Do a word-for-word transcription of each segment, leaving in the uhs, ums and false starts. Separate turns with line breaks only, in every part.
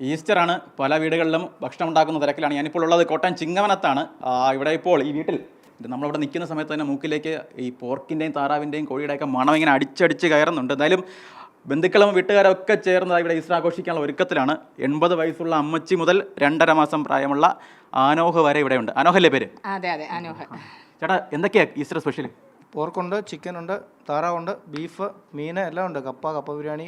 ഈസ്റ്ററാണ്. പല വീടുകളിലും ഭക്ഷണം ഉണ്ടാക്കുന്ന തിരക്കിലാണ്. ഞാനിപ്പോൾ ഉള്ളത് കോട്ടയം ചിങ്ങവനത്താണ്. ഇവിടെ ഇപ്പോൾ ഈ വീട്ടിൽ നമ്മളിവിടെ നിൽക്കുന്ന സമയത്ത് തന്നെ മൂക്കിലേക്ക് ഈ പോർക്കിൻ്റെയും താറാവിൻ്റെയും കോഴിയുടെയൊക്കെ മണം ഇങ്ങനെ അടിച്ചടിച്ച് കയറുന്നുണ്ട്. എന്തായാലും ബന്ധുക്കളും വീട്ടുകാരൊക്കെ ചേർന്ന് ഇവിടെ ഈസ്റ്റർ ആഘോഷിക്കാനുള്ള ഒരുക്കത്തിലാണ്. എൺപത് വയസ്സുള്ള അമ്മച്ചി മുതൽ രണ്ടര മാസം പ്രായമുള്ള ആനോഹ് വരെ ഇവിടെയുണ്ട്. ആനോഹല്ലേ പേര്?
അതെ അതെ ആനോഹ്.
ചേട്ടാ, എന്തൊക്കെയാ ഈസ്റ്റർ സ്പെഷ്യൽ?
പോർക്കുണ്ട്, ചിക്കനുണ്ട്, താറാവുണ്ട്, ബീഫ്, മീൻ എല്ലാം ഉണ്ട്. കപ്പ കപ്പ ബിരിയാണി,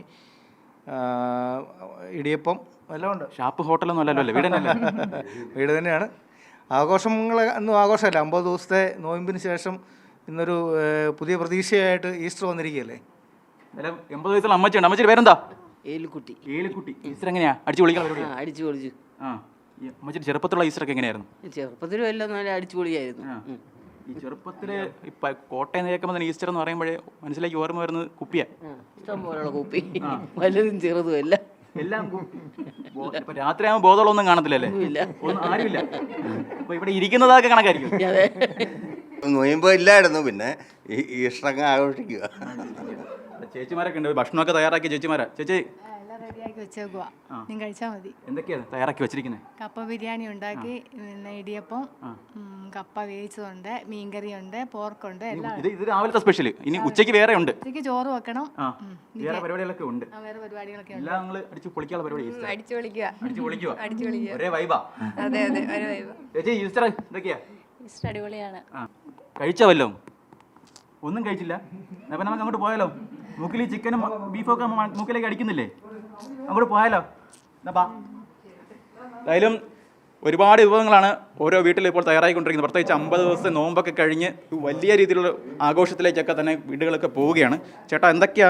ഇടിയപ്പം എല്ലാം ഉണ്ട്.
ഷാപ്പ് ഹോട്ടലൊന്നും അല്ലല്ലോ അല്ലേ? വീട് തന്നെയല്ലേ?
വീട് തന്നെയാണ്. ആഘോഷങ്ങൾ ഒന്നും ആഘോഷമല്ല. അമ്പത് ദിവസത്തെ നോയമ്പിന് ശേഷം ഇന്നൊരു പുതിയ പ്രതീക്ഷയായിട്ട് ഈസ്റ്റർ വന്നിരിക്കുകയല്ലേ.
എൺപത് വയസ്സുള്ള അമ്മച്ചിയുണ്ട്. അമ്മച്ചിയുടെ പേരെന്താ?
ഏലിക്കുട്ടി.
ഏലിക്കുട്ടി. ഈസ്റ്റർ എങ്ങനെയാ അടിച്ചു പൊളിക്കാൻ?
അടിച്ചു പൊളിച്ചു.
ആ, അമ്മച്ചിയുടെ ചെറുപ്പത്തിലുള്ള ഈസ്റ്റർ ഒക്കെ എങ്ങനെയായിരുന്നു?
ചെറുപ്പത്തിലും എല്ലാം നല്ല അടിച്ചു പൊളിയായിരുന്നു.
ഈ ചെറുപ്പത്തില് ഇപ്പൊ കോട്ടയം നിൽക്കുമ്പോൾ തന്നെ ഈസ്റ്റർ എന്ന് പറയുമ്പോഴേ മനസ്സിലേക്ക് ഓർമ്മ വരുന്നത് കുപ്പിയാ.
ഇഷ്ടം പോലുള്ള കുപ്പി, വലുതും ചെറുതും എല്ലാം
എല്ലാം. ഇപ്പൊ രാത്രിയാകുമ്പോൾ ബോധമുള്ളൊന്നും കാണത്തില്ലല്ലേ?
ഇല്ല,
ആരുമില്ല. അപ്പൊ ഇവിടെ ഇരിക്കുന്നതൊക്കെ കണക്കായിരിക്കും.
നൊയമ്പ് ഇല്ലായിരുന്നു, പിന്നെ ഈസ്റ്ററൊക്കെ ആഘോഷിക്കുക.
ചേച്ചിമാരൊക്കെ ഉണ്ട്, ഭക്ഷണമൊക്കെ തയ്യാറാക്കി. ചേച്ചിമാരാ? ചേച്ചി
റെഡിയാക്കി വെച്ചേക്കുവാ, നീ കഴിച്ചാൽ മതി.
എന്തൊക്കെയാണ് തയ്യാറാക്കി വെച്ചിരിക്കുന്നത്?
കപ്പ ബിരിയാണി ഉണ്ടാക്കി, പിന്നെ ഇടിയപ്പം, കപ്പ വേവിച്ചതുണ്ട്, മീൻകറിയുണ്ട്, പോർക്കുണ്ട്, എല്ലാം.
ഇത് ഇത് രാവിലത്തെ സ്പെഷ്യൽ. ഇനി ഉച്ചയ്ക്ക് വേറെ ഉണ്ട്.
ഉച്ചയ്ക്ക് ചോറ് വെക്കണം.
വേറെ പരിപാടികളൊക്കെ ഉണ്ട്.
വേറെ പരിപാടികളൊക്കെ ഉണ്ട്.
എല്ലാം നിങ്ങൾ അടിച്ചു പൊളിക്കാനുള്ള പരിപാടി.
അടിച്ചു പൊളിക്കുക.
അടിച്ചു പൊളിക്കുക.
അടിച്ചു പൊളിക്കുക.
ഒരേ വൈബാ.
അതെ അതെ, ഒരു വൈബ്.
ചേച്ചി, ഈസ്റ്റർ എന്തൊക്കെയാ?
ഈസ്റ്റർ അടിപൊളിയാണ്.
കഴിച്ചോ വല്ലോ? ഒന്നും കഴിച്ചില്ല. അപ്പം നമുക്ക് അങ്ങോട്ട് പോയാലോ? മൂക്കിൽ ഈ ചിക്കനും ബീഫൊക്കെ മൂക്കിലേക്ക് അടിക്കുന്നില്ലേ? അങ്ങോട്ട് പോയാലോ? എന്തായാലും ഒരുപാട് വിഭവങ്ങളാണ് ഓരോ വീട്ടിലും ഇപ്പോൾ തയ്യാറായിക്കൊണ്ടിരിക്കുന്നത്. പ്രത്യേകിച്ച് അമ്പത് ദിവസത്തെ നോമ്പൊക്കെ കഴിഞ്ഞ് വലിയ രീതിയിലുള്ള ആഘോഷത്തിലേക്കൊക്കെ തന്നെ വീടുകളൊക്കെ പോവുകയാണ്. ചേട്ടാ, എന്തൊക്കെയാ?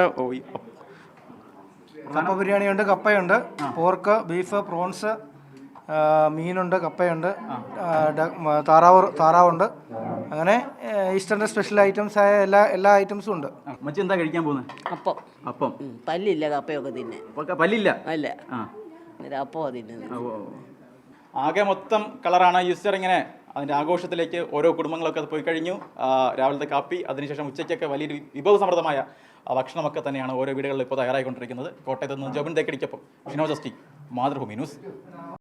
കപ്പ ബിരിയാണിയുണ്ട്, കപ്പയുണ്ട്, പോർക്ക്, ബീഫ്, പ്രോൺസ്, മീനുണ്ട്, കപ്പയുണ്ട്, താറാവ് താറാവുണ്ട്. അങ്ങനെ ഈസ്റ്ററിൻ്റെ സ്പെഷ്യൽ ഐറ്റംസ് ആയ എല്ലാ എല്ലാ ഐറ്റംസും ഉണ്ട്.
മച്ചി എന്താ കഴിക്കാൻ പോകുന്നത്?
അപ്പം.
അപ്പം.
പല്ലില്ല, കപ്പയൊക്കെ തിന്നെ.
പല്ലില്ല?
അല്ല, അപ്പം തിന്നുന്നത്.
ആകെ മൊത്തം കളറാണ് ഈസ്റ്റർ. ഇങ്ങനെ അതിൻ്റെ ആഘോഷത്തിലേക്ക് ഓരോ കുടുംബങ്ങളൊക്കെ പോയി കഴിഞ്ഞു. രാവിലത്തെ കാപ്പി, അതിനുശേഷം ഉച്ചയ്ക്കൊക്കെ വലിയൊരു വിഭവസമൃദ്ധമായ ഭക്ഷണമൊക്കെ തന്നെയാണ് ഓരോ വീടുകളിൽ ഇപ്പോൾ തയ്യാറായിക്കൊണ്ടിരിക്കുന്നത്. കോട്ടയത്ത് നിന്ന് ജോബിൻ തേക്കടിക്കൊപ്പം ഷിനോ ജസ്റ്റി, മാതൃഭൂമി ന്യൂസ്.